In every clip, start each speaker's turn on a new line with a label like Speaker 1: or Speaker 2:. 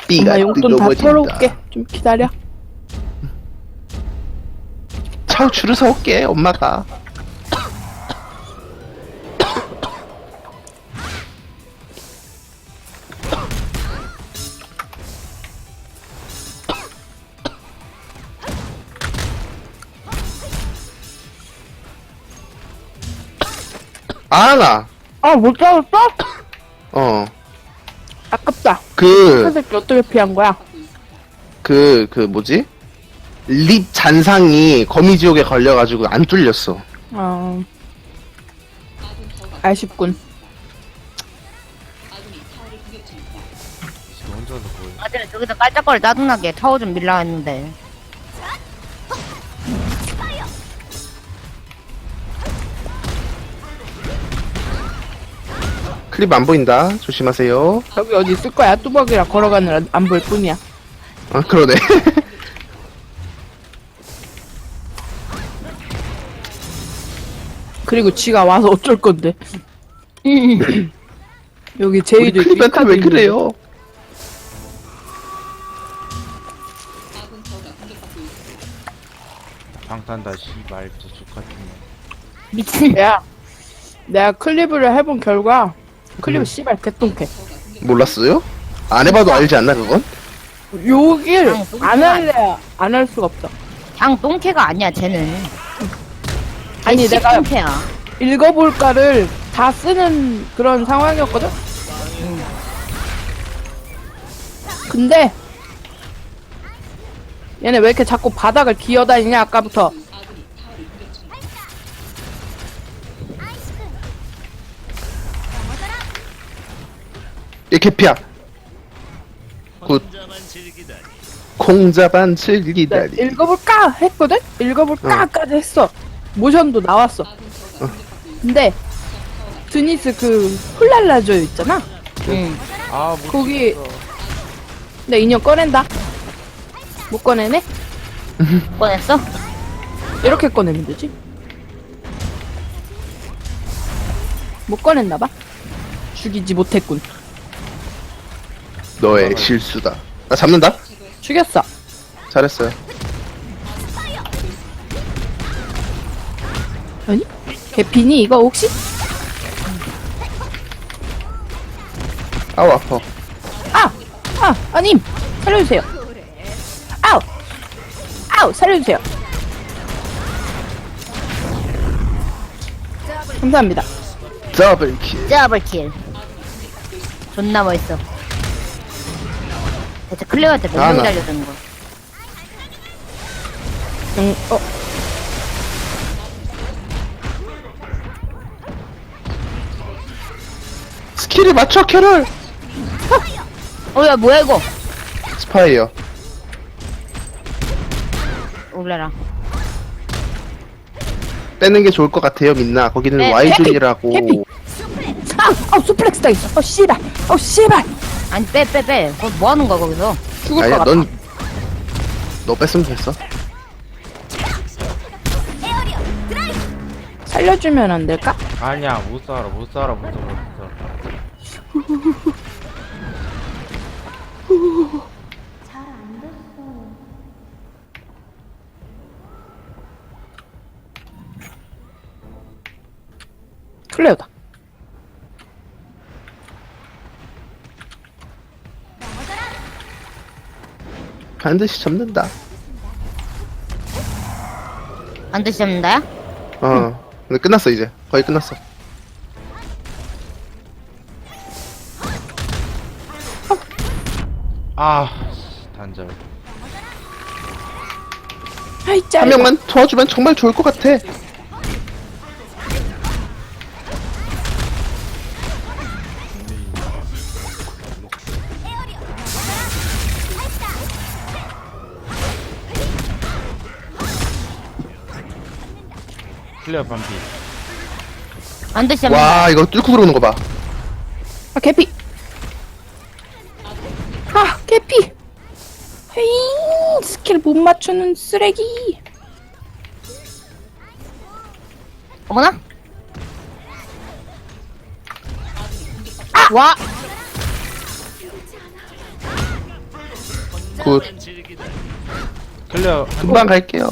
Speaker 1: 삐가
Speaker 2: 엄마 용돈 다
Speaker 1: 뜨거워진다.
Speaker 2: 털어올게. 좀 기다려.
Speaker 1: 차우추를 사올게 엄마가. 아나.
Speaker 2: 아, 못 잡았어? 아깝다. 그
Speaker 1: 그
Speaker 2: 새끼 어떻게 피한 거야?
Speaker 1: 뭐지? 립 잔상이 거미지옥에 걸려가지고 안 뚫렸어.
Speaker 2: 아쉽군.
Speaker 3: 지금 혼자서 뭐해?
Speaker 4: 아들 저기서 깔짝거리 짜증나게 타워 좀 밀라 했는데.
Speaker 1: 클립 안 보인다. 조심하세요.
Speaker 2: 여기 어디 있을 거야? 뚜벅이라 걸어가느라 안 볼 뿐이야.
Speaker 1: 아 그러네.
Speaker 2: 그리고 지가 와서 어쩔 건데. 여기
Speaker 1: 우리
Speaker 2: 제이도 있고
Speaker 1: 클립한테 왜
Speaker 2: 이카도
Speaker 1: 그래요?
Speaker 3: 방탄다 씨발 저 족같은 놈.
Speaker 4: 미친.
Speaker 2: 있는데. 야, 내가 클립을 해본 결과 클립은 씨발 개똥캐.
Speaker 1: 몰랐어요? 안 해봐도 알지 않나 그건?
Speaker 2: 욕을
Speaker 4: 아니, 똥캐가
Speaker 2: 안 할래 안 할 수가 없어.
Speaker 4: 그냥 똥캐가 아니야 쟤는.
Speaker 2: 아니, 내가
Speaker 4: 똥캐야.
Speaker 2: 읽어볼까를 다 쓰는 그런 상황이었거든? 근데 얘네 왜 이렇게 자꾸 바닥을 기어다니냐 아까부터.
Speaker 1: 얘 개피야. 굿. 콩자반 즐기다니.
Speaker 2: 읽어볼까 했거든? 읽어볼까까지 했어. 모션도 나왔어. 근데 드니스 그 훌랄라조 있잖아?
Speaker 4: 응.
Speaker 3: 아못
Speaker 2: 거기 내 인형 꺼낸다. 못 꺼내네?
Speaker 4: 꺼냈어?
Speaker 2: 이렇게 꺼내면 되지. 못 꺼냈나봐. 죽이지 못했군.
Speaker 1: 너의 실수다. 나 잡는다.
Speaker 2: 죽였어.
Speaker 1: 잘했어요.
Speaker 2: 아니? 개피니 이거 혹시?
Speaker 1: 아우 아파.
Speaker 2: 아님 살려주세요. 아우 살려주세요. 감사합니다.
Speaker 1: 더블킬.
Speaker 4: 더블킬. 존나 멋있어. 대체 클레어한테 몇
Speaker 1: 아,
Speaker 4: 명
Speaker 1: 나.
Speaker 4: 달려드는 거.
Speaker 1: 스킬을 맞춰 캐롤.
Speaker 4: 야 뭐야 이거?
Speaker 1: 스파이어.
Speaker 4: 올라라.
Speaker 1: 빼는 게 좋을 것 같아요 민나. 거기는
Speaker 4: 네,
Speaker 1: Y존이라고.
Speaker 2: 해피. 수플렉스 다 있어. 씨발.
Speaker 4: 아니 빼. 그거 뭐 하는 거야 거기서?
Speaker 2: 죽을
Speaker 1: 아니야
Speaker 2: 것 같아.
Speaker 1: 너 뺐으면 됐어.
Speaker 2: 살려주면 안 될까?
Speaker 3: 아니야 못 살아 못 살아.
Speaker 2: 클레어다.
Speaker 1: 반드시 잡는다.
Speaker 4: 안 드시는다야?
Speaker 1: 근데 끝났어 이제. 거의 끝났어.
Speaker 3: 아 단절.
Speaker 2: 아이 짜.
Speaker 1: 한 명만 도와주면 정말 좋을 것 같아.
Speaker 3: 클리어 반피.
Speaker 4: 안 드시는
Speaker 1: 와 이거 뚫고 들어오는 거 봐.
Speaker 2: 개피. 개피. 헤잉 스킬 못 맞추는 쓰레기.
Speaker 4: 어머나? 와!
Speaker 1: 굿.
Speaker 3: 클리어
Speaker 1: 금방 갈게요.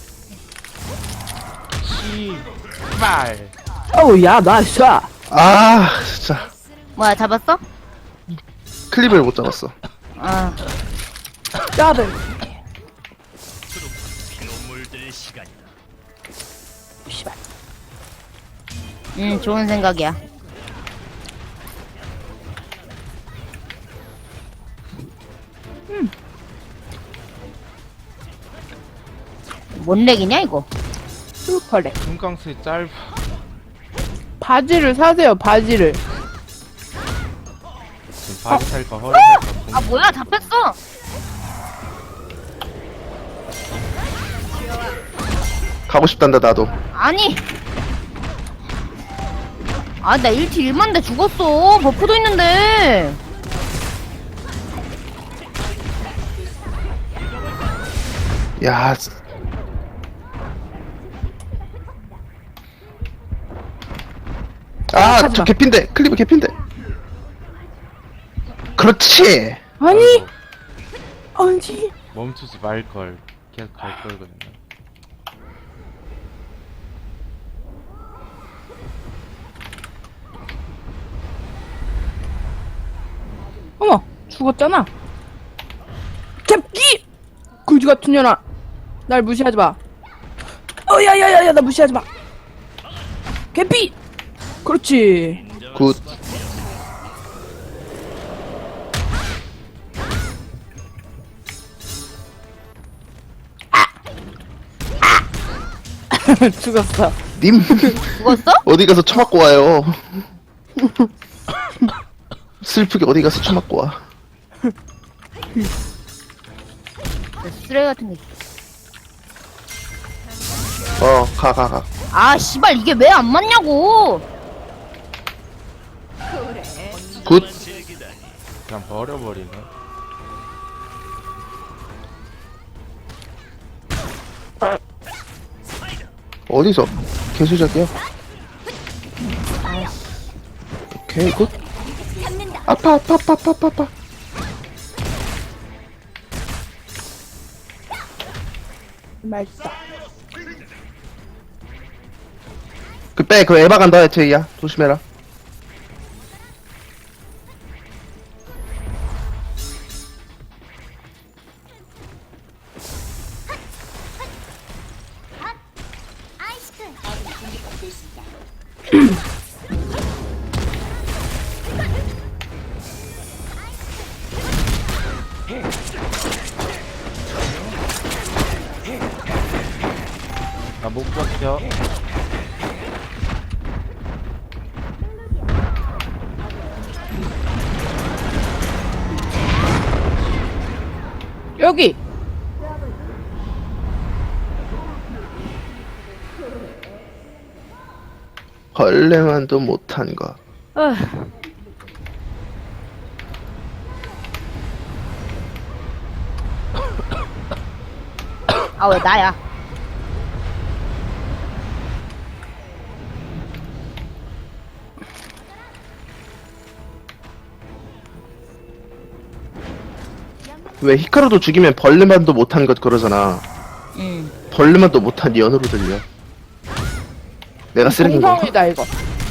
Speaker 3: 씨발.
Speaker 2: 어우, 야, 나이스.
Speaker 1: 아, 진짜.
Speaker 4: 뭐야, 잡았어?
Speaker 1: 클립을 못 잡았어.
Speaker 4: 아,
Speaker 2: 짜들. 씨발.
Speaker 4: 좋은 생각이야. 뭔 렉이냐, 이거?
Speaker 2: 슈퍼렉.
Speaker 3: 금강수 짧아.
Speaker 2: 바지를 사세요, 바지를.
Speaker 3: 지금 바지 살까 허리 살까
Speaker 4: 아, 뭐야, 잡혔어!
Speaker 1: 가고 싶단다, 나도.
Speaker 4: 아니! 아, 나 1티 1만데 죽었어. 버프도 있는데.
Speaker 1: 야, 아,
Speaker 2: 하지마.
Speaker 1: 저 개핀데. 클립이 개핀데. 그렇지.
Speaker 2: 아니, 아니.
Speaker 3: 멈추지 말걸. 계속 갈 걸거든요.
Speaker 2: 어머, 죽었잖아. 잡기! 그지 같은 년아. 날 무시하지 마. 야야야야, 나 무시하지 마. 개피! 그렇지.
Speaker 1: 굿.
Speaker 2: 죽었어.
Speaker 1: 님,
Speaker 4: 죽었어?
Speaker 1: 어디 가서 처맞고 와요. 슬프게 어디 가서 처맞고 와.
Speaker 4: 쓰레기 같은 게.
Speaker 1: 가.
Speaker 4: 아, 씨발, 이게 왜 안 맞냐고!
Speaker 1: 굿.
Speaker 3: 그냥 버려버리네.
Speaker 1: 어디서? 개수작이야? 오케이, 굿. 아파.
Speaker 2: 맛있다.
Speaker 1: 그 에바 간다, 제이야. 조심해라.
Speaker 3: 나 못 버텨.
Speaker 2: 여기!
Speaker 1: 벌레만도 못한 거.
Speaker 4: 아, 왜 나야?
Speaker 1: 왜 히카루도 죽이면 벌레만도 못한 것 그러잖아. 벌레만도 못한 연으로 들려. 내가 쓰레기인 건가?
Speaker 2: 공성이다, 이거.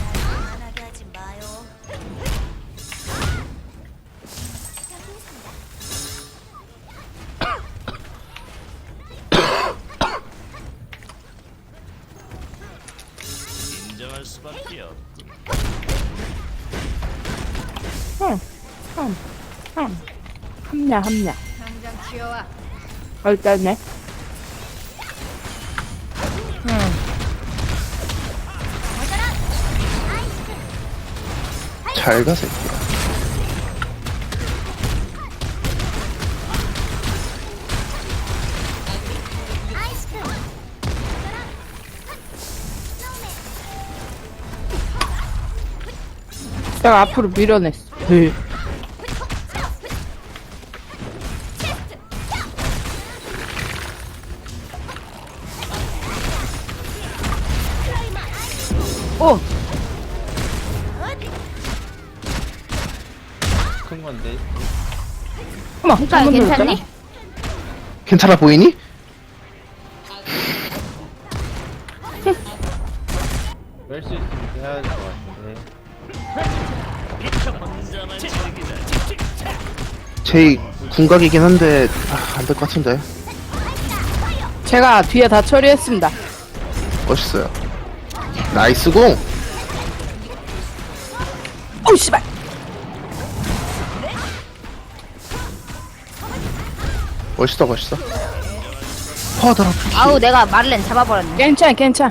Speaker 2: 합냐. 일단네.
Speaker 1: 잘 가, 새끼야.
Speaker 2: 내가 앞으로 밀어냈어. 네. 오!
Speaker 3: 큰 건데.
Speaker 2: 어머,
Speaker 4: 그러니까
Speaker 2: 잘못
Speaker 4: 괜찮니?
Speaker 2: 눌렀잖아.
Speaker 1: 괜찮아 보이니?
Speaker 3: 뺄 수 있으면 해야 될 것 같은데.
Speaker 1: 제이 궁각이긴 한데 안 될 것 같은데.
Speaker 2: 제가 뒤에 다 처리했습니다.
Speaker 1: 멋있어요. 나이스 공.
Speaker 2: 오 씨발.
Speaker 1: 멋있어 멋있어. 퍼더라.
Speaker 4: 아우 내가 말렌 잡아버렸네.
Speaker 2: 괜찮아 괜찮아.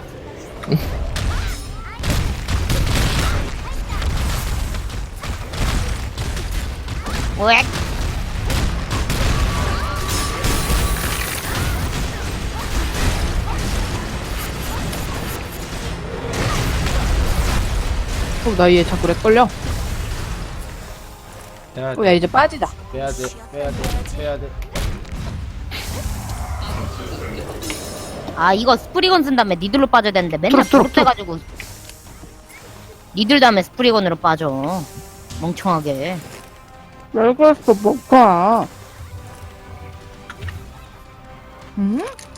Speaker 4: 왜?
Speaker 2: 나 얘 자꾸 렉 걸려.
Speaker 3: 빼야 돼.
Speaker 2: 야 이제 빠지자.
Speaker 3: 빼야 돼. 빼야 돼. 빼야 돼.
Speaker 4: 아 이거 스프리건 쓴 다음에 니들로 빠져야 되는데 맨날
Speaker 1: 트럭, 트럭,
Speaker 4: 버릇돼가지고 니들 다음에 스프리건으로 빠져. 멍청하게.
Speaker 2: 왜 그랬어 뭐가? 응?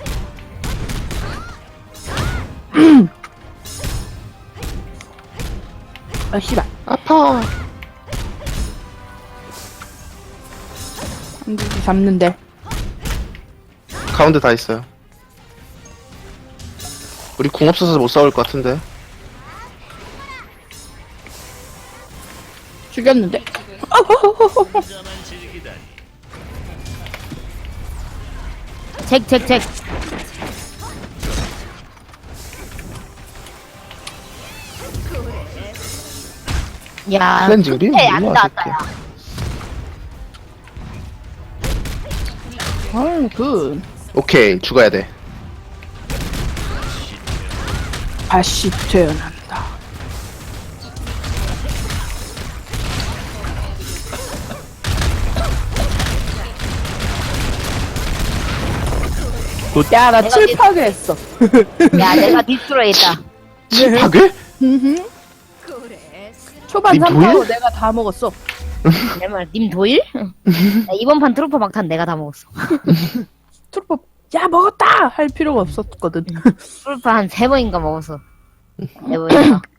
Speaker 2: 아 씨발.
Speaker 1: 아파.
Speaker 2: 한두기 잡는데.
Speaker 1: 가운데 다 있어요. 우리 궁 없어서 못 싸울 것 같은데.
Speaker 2: 죽였는데.
Speaker 4: 잭. 야,
Speaker 1: 클렌징 빔?
Speaker 4: 끝에 안
Speaker 1: 일로 와,
Speaker 4: 닿았다.
Speaker 2: 아유 그
Speaker 1: 오케이 죽어야 돼.
Speaker 2: 다시 태어난다. 야 나
Speaker 4: 내가
Speaker 2: 칠파게 했어.
Speaker 4: 야, 내가 디스트로이 했다.
Speaker 1: 칠파괴?
Speaker 2: 초반
Speaker 1: 니
Speaker 2: 3파로
Speaker 1: 도일?
Speaker 2: 내가 다 먹었어.
Speaker 4: 내 말, 님 도일? 야, 이번 판 트루퍼 막탄 내가 다 먹었어.
Speaker 2: 트루퍼 야 먹었다 할 필요가 없었거든.
Speaker 4: 트루퍼 한 3번인가 먹었어. 4번인가.